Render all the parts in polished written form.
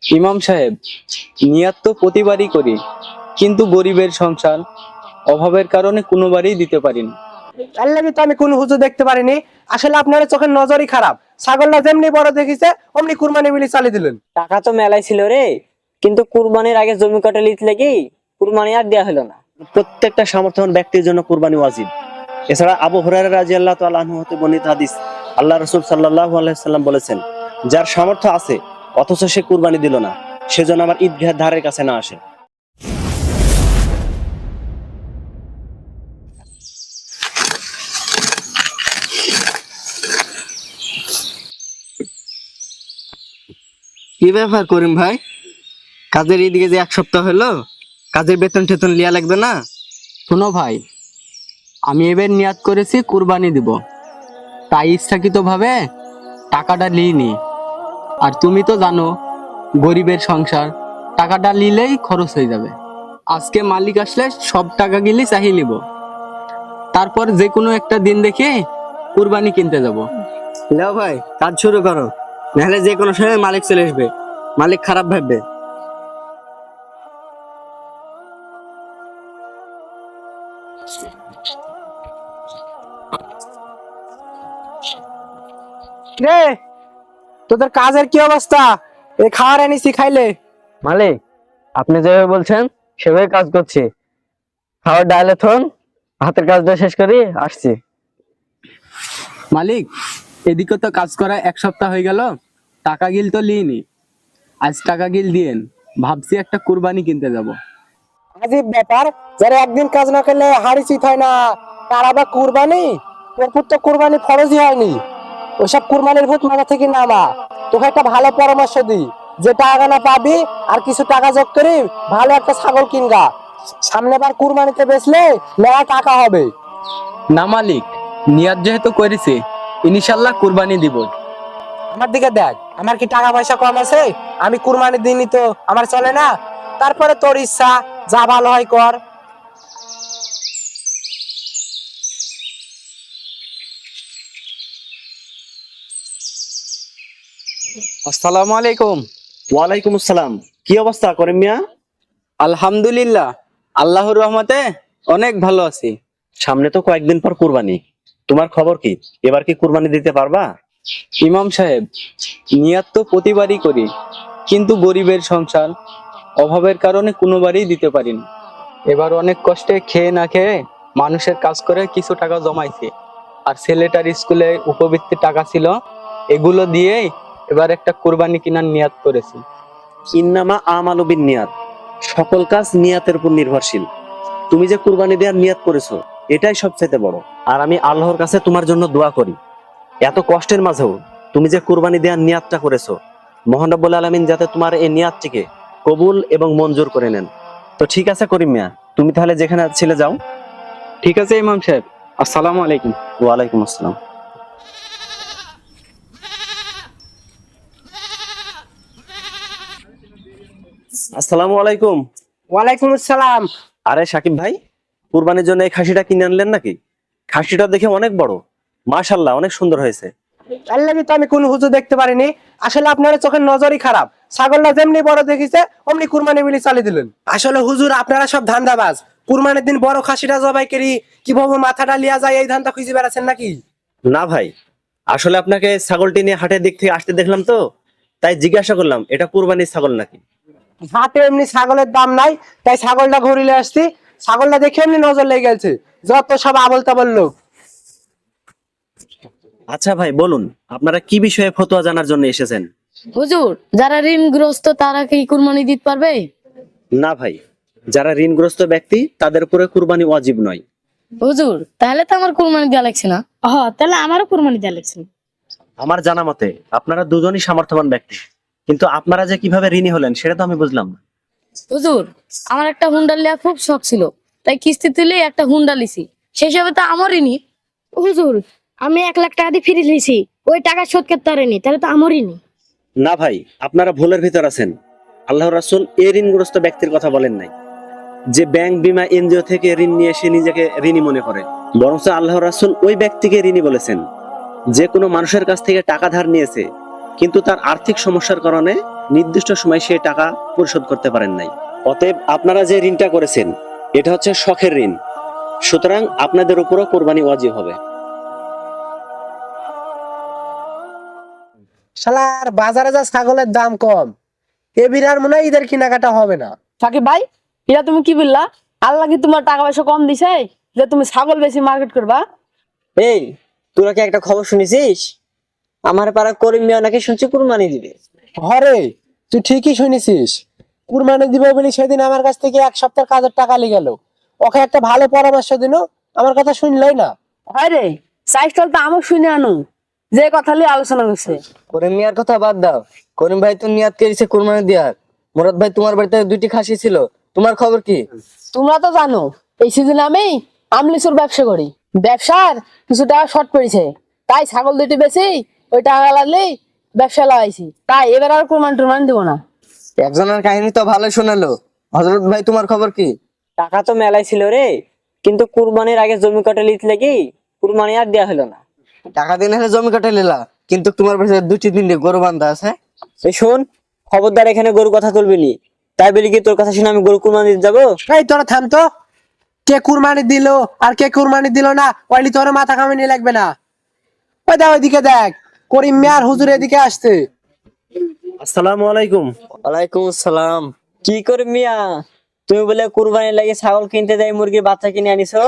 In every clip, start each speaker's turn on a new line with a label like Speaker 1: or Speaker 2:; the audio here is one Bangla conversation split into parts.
Speaker 1: ইমাম সাহেব, নিয়াত তো প্রতিবারই করি, কিন্তু গরিবের সংসার, অভাবের কারণে কোনোবারই দিতে পারি না।
Speaker 2: আল্লাহ তো আমি কোন হুজুর দেখতে পারিনি। আসলে আপনার চোখের নজরই খারাপ। ছাগলটা যেমনি বড় দেখিছে অমনি কুরবানি বিলি চালিয়ে দিলেন।
Speaker 3: টাকা তো মেলাই ছিল রে, কিন্তু কুরবানির আগে জমি কাটা লিত লেগে কুরবানি আর দেয়া হলো না।
Speaker 4: প্রত্যেকটা সামর্থ্যবান ব্যক্তির জন্য কুরবানি ওয়াজিব। এছাড়া আবু হুরায়রা রাদিয়াল্লাহু তাআলা আনহু হতে বর্ণিত হাদিস, আল্লাহ রাসূল সাল্লাল্লাহু আলাইহি সাল্লাম বলেছেন, যার সামর্থ্য আছে অথচ সে কুরবানি দিল না, সেজন্য আমার ঈদগাহের ধারের কাছে না আসে।
Speaker 5: কি ব্যাপার করিম ভাই, কাজের এদিকে যে 1 সপ্তাহ হলো, কাজের বেতন টেতন লিয়া লাগবে না?
Speaker 1: শোনো ভাই, আমি এবার নিয়াত করেছি কুরবানি দিব, তাই ইচ্ছাকৃতভাবে টাকাটা লিইনি। আর তুমি তো জানো গরিবের সংসার, টাকাটা নিলেই খরচ হয়ে যাবে। আজকে মালিক আসলে সব টাকা গিলি চাহিয়ে নিব, তারপর যে কোনো একটা দিন দেখে কুরবানি কিনতে যাব।
Speaker 5: লেও ভাই, কাজ শুরু করো, নাহলে যে কোনো সময় মালিক চলে আসবে, মালিক খারাপ ভাববে।
Speaker 2: রে, তোদের কাজের কি অবস্থা? এই খাওয়ার এনেছি, খাইলে?
Speaker 3: মালিক, আপনি যেভাবে বলছেন সেভাবে কাজ করছি। খাওয়ার ডাল এখন হাতের কাজটা শেষ করি আসছি।
Speaker 1: মালিক, এদিকে তো কাজ করা 1 সপ্তাহ হয়ে গেল, টাকা গিল তো লিইনি। আজ টাকা গিল দিয়েন, ভাবছি একটা কুরবানি কিনতে যাব।
Speaker 2: আজীব ব্যাপার, যারা একদিন কাজ না করলে হাড়ি চিত হয় না, তার আবার কুরবানি? তোর পুত তো কুরবানি ফরজই হয়নি। ওইসব কুরবানির ভূত মাথা থেকে নামা। তোকে একটা ভালো পরামর্শ দিই, যে টাকা না পাবি আর কিছু টাকা যোগ করি ভালো একটা ছাগল কিনগা। সামনে বার কুরবানিতে বেচলে মেলা টাকা হবে।
Speaker 1: না মালিক, নিয়াত যেহেতু করেছি, ইনশাল্লাহ কুরবানি দিব।
Speaker 2: আমার দিকে দেখ, আমার কি টাকা পয়সা কম আছে? আমি কুরবানি দিনই তো আমার চলে না। তারপরে তোর ইচ্ছা, যা ভালো হয় কর।
Speaker 1: আসসালামু আলাইকুম।
Speaker 4: ওয়ালাইকুম আসসালাম। কি অবস্থা করিম মিয়া?
Speaker 1: আলহামদুলিল্লাহ, আল্লাহর রহমতে অনেক ভালো আছি।
Speaker 4: সামনে তো কয়েকদিন পর কুরবানি, তোমার খবর কি? এবার কি কুরবানি দিতে পারবা?
Speaker 1: ইমাম সাহেব, নিয়াত তো প্রতিবারই করি, কিন্তু গরিবের সংসার, অভাবের কারণে কোনোবারই দিতে পারি না। এবার অনেক কষ্টে খেয়ে না খেয়ে মানুষের কাজ করে কিছু টাকা জমাইছি, আর ছেলেটার স্কুলে উপবৃত্তির টাকা ছিল, এগুলো দিয়েই এবার একটা কুরবানি কেনার নিয়াত করেছি।
Speaker 4: ইন্নামা আমালু বিন্নিয়াত, সকল কাজ নিয়াতের উপর নির্ভরশীল। তুমি যে কুরবানি দেওয়ার নিয়াত করেছো, এটাই সবচেয়ে বড়। আর আমি আল্লাহর কাছে তোমার জন্য দোয়া করি, এত কষ্টের মাঝেও তুমি যে কুরবানি দেওয়ার নিয়াতটা করেছো, মহান রব্বুল আলামিন যাতে তোমার এই নিয়াতটিকে কবুল এবং মঞ্জুর করে নেন। তো ঠিক আছে করিম মিয়া, তুমি তাহলে যেখানে ছিলে যাও।
Speaker 1: ঠিক আছে ইমাম সাহেব, আসসালামু আলাইকুম।
Speaker 4: ওয়ালাইকুম আসসালাম। আসসালামু আলাইকুম।
Speaker 2: ওয়ালাইকুম আসসালাম।
Speaker 4: আরে সাকিব ভাই, কুরবানির জন্য এই খাসিটা কিনে আনলেন নাকি? খাসিটা দেখে অনেক বড়, মাশাআল্লাহ, অনেক সুন্দর হয়েছে।
Speaker 2: আল্লাহ তো আমি কোন হুজুর দেখতে পারিনি। আসলে আপনার চোখের নজরই খারাপ। ছাগলটা যেমনি বড় দেখিছে অমনি কুরবানি বিলি চালিয়ে দিলেন। আসলে হুজুর, আপনারা সব ধান্দাবাজ। কুরবানির দিন বড় খাসিটা জবাই করি কিভাবে মাথাটা লিয়া যায় এই ধান্দা খুঁজে বেড়াচ্ছেন নাকি?
Speaker 4: না ভাই, আসলে আপনাকে ছাগলটি নিয়ে হাটের দিক থেকে আসতে দেখলাম তো, তাই জিজ্ঞাসা করলাম এটা কুরবানির ছাগল নাকি।
Speaker 2: হাটে এমনি ছাগলের দাম নাই, তাই ছাগলটা ঘুরিলে আসছি। ছাগলটা দেখে এমনি নজর লেগে গেছে। যত সব আবল তাবল লোক।
Speaker 4: আচ্ছা ভাই, বলুন আপনারা কি বিষয়ে ফতোয়া জানার জন্য এসেছেন?
Speaker 6: হুজুর, যারা ঋণগ্রস্ত তারা কি কুরবানি দিতে পারবে?
Speaker 4: না ভাই, যারা ঋণগ্রস্ত ব্যক্তি তাদের উপরে কুরবানি ওয়াজিব নয়।
Speaker 6: হুজুর, তাহলে তো আমার কুরবানি দেওয়া লাগছে না। তাহলে আমারও কুরবানি দেওয়া লাগছে না।
Speaker 4: আমার জানা মতে আপনারা দুজনই সামর্থ্যবান ব্যক্তি, কিন্তু আপনারা যে কিভাবে ঋণী হলেন সেটা তো আমি বুঝলাম না।
Speaker 6: হুজুর, আমার একটা হুন্ডা লিয়া খুব শখ ছিল, তাই কিস্তি তুলে একটা হুন্ডা লিছি। সেই হিসাবে তো আমারই নি। হুজুর, আমি 1 লাখ টাকা দিয়ে ফিরে লিছি, ওই টাকা শোধ করতে পারিনি, তাহলে তো আমারই নি।
Speaker 4: না ভাই, আপনারা ভুলের ভিতর আছেন। আল্লাহর রাসূল এই ঋণগ্রস্ত ব্যক্তির কথা বলেন নাই, যে ব্যাংক বিমা এনজিও থেকে ঋণ নিয়ে সে নিজেকে ঋণী মনে করে। বরঞ্চ আল্লাহর রাসূল ওই ব্যক্তিকে ঋণী বলেছেন যে কোনো মানুষের কাছ থেকে টাকা ধার নিয়েছে, কিন্তু তার আর্থিক সমস্যার কারণে নির্দিষ্ট সময় সে টাকা পরিশোধ করতে পারেন নাই। অতএব আপনারা যে ঋণটা করেছেন এটা হচ্ছে শখের ঋণ, সুতরাং আপনাদের উপরও কোরবানি ওয়াজিব হবে।
Speaker 2: শালার বাজারে যা ছাগলের দাম কম, এ বিরার মনে হয় ঈদের কেনাকাটা হবে না।
Speaker 6: সাকিব ভাই, এটা তুমি কি বললা? আল্লাহ কি তোমার টাকা পয়সা কম দিছে যে তুমি ছাগল বেশি মার্কেট করবা?
Speaker 3: এই, তোরা কি একটা খবর শুনেছিস? আমার পাড়া করিম মিয়া নাকি শুনছি কুরবানি দিবে।
Speaker 2: হরে, তুই ঠিকই শুনেছিস। কুরবানি দিবে বলে সেদিন আমার কাছ থেকে 1 সপ্তাহ কাজের টাকা নিয়ে গেল। ওকে একটা ভালো পরামর্শ দিল, আমার কথা শুনলই না।
Speaker 6: হয় রে, সাইকেল তো আমার শুনে আনো, যে কথা নিয়ে আলোচনা করছে।
Speaker 5: করিম মিয়ার কথা বাদ দাও। করিম ভাই তো নিয়াত করেছে কুরবানি দেওয়ার। মুরাদ ভাই, তোমার বাড়িতে 2টি খাসি ছিল, তোমার খবর কি?
Speaker 6: তোমরা তো জানো এই সিজনে আমি আমলিসুর ব্যবসা করি। ব্যবসার কিছু টাকা শর্ট পড়েছে, তাই ছাগল দুটি বেশি ওই টাকা লাগলেই ব্যবসা লাগাইছি। তাই এবার আর কুরবানি টুরবানি দিব না।
Speaker 5: একজনের কাহিনী তো ভালো শোনালো। হযরত ভাই, তোমার খবর কি?
Speaker 3: টাকা তো মেলাই ছিল রে, কিন্তু কুরবানির আগে জমি কাটা লিত লাগি কুরবানি আর দেয়া হলো না।
Speaker 5: টাকা দিন হলে জমি কাটে নিলা, কিন্তু তোমার বাড়িতে 2-3 গরু বান্ধা আছে।
Speaker 3: এই শোন, খবরদার এখানে গরু কথা তুলবি নি। তাই বলি কি তোর কথা শুনে আমি গরু কুরবানি দিতে যাবো?
Speaker 2: এই তোরা থাম তো। কে কুরবানি দিল আর কে কুরবানি দিল না ওইলি তোর মাথা কামানি লাগবে না। ওই দা ওইদিকে দেখ, করিম মিয়ার হুজুর এদিকে আসছে।
Speaker 4: আসসালামু আলাইকুম।
Speaker 5: ওয়ালাইকুম আসসালাম।
Speaker 3: কি করে মিয়া, তুমি বলে কুরবানি লাগে ছাগল কিনতে যাই, মুরগির বাচ্চা কিনে আনিছো?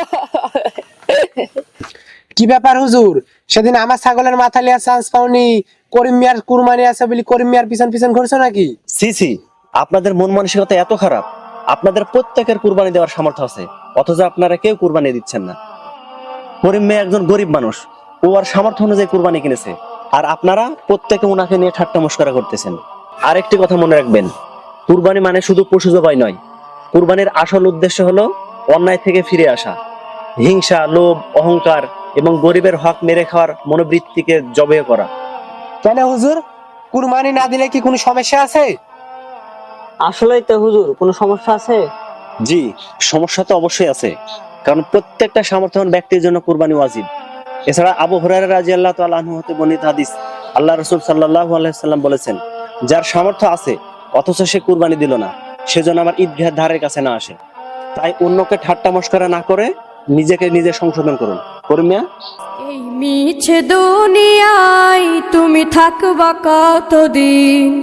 Speaker 2: কি ব্যাপার হুজুর, সেদিন আমার ছাগলের মাথা লিয়া চান্স পাওনি, করিম মিয়ার কুরবানি আছে বলি করিম মিয়ার পিছন পিছন ঘুরছো নাকি?
Speaker 4: সি সি, আপনাদের মন মানসিকতা এত খারাপ। আপনাদের প্রত্যেকের কুরবানি দেওয়ার সামর্থ্য আছে, অথচ আপনারা কেউ কুরবানি দিচ্ছেন না। করিম মিয়া একজন গরিব মানুষ, ও আর সামর্থ্য অনুযায়ী কুরবানি কিনেছে, আর আপনারা প্রত্যেকে ওনাকে নিয়ে ঠাট্টা মশকরা করতেছেন। আরেকটি কথা মনে রাখবেন, কুরবানি মানে শুধু পশু জবাই নয়। কুরবানির আসল উদ্দেশ্য হলো অন্যায় থেকে ফিরে আসা। হিংসা, লোভ, অহংকার এবং গরিবের হক মেরে খাওয়ার মনোবৃত্তিকে জবেহ করা।
Speaker 2: কেন হুজুর, কুরবানি না দিলে কি কোনো সমস্যা আছে?
Speaker 3: আসলেই তো হুজুর, কোনো সমস্যা আছে?
Speaker 4: জি, সমস্যা তো অবশ্যই আছে, কারণ প্রত্যেকটা সামর্থ্যবান ব্যক্তির জন্য কুরবানি ওয়াজিব। এছাড়া আবু হুরায়রা রাদিয়াল্লাহু তাআলা আনহু হতে বর্ণিত হাদিস, আল্লাহ রাসূল সাল্লাল্লাহু আলাইহি সাল্লাম বলেছেন, যার সামর্থ্য আছে অথচ সে কুরবানি দিল না, সেজন্য আমার ঈদগাহের ধারের কাছে না আসে। তাই অন্যকে ঠাট্টা মশকরা না করে নিজেকে নিজে সংশোধন করুন। করিম মিয়া,
Speaker 7: এই মিছে দুনিয়ায় তুমি থাকবা কতদিন?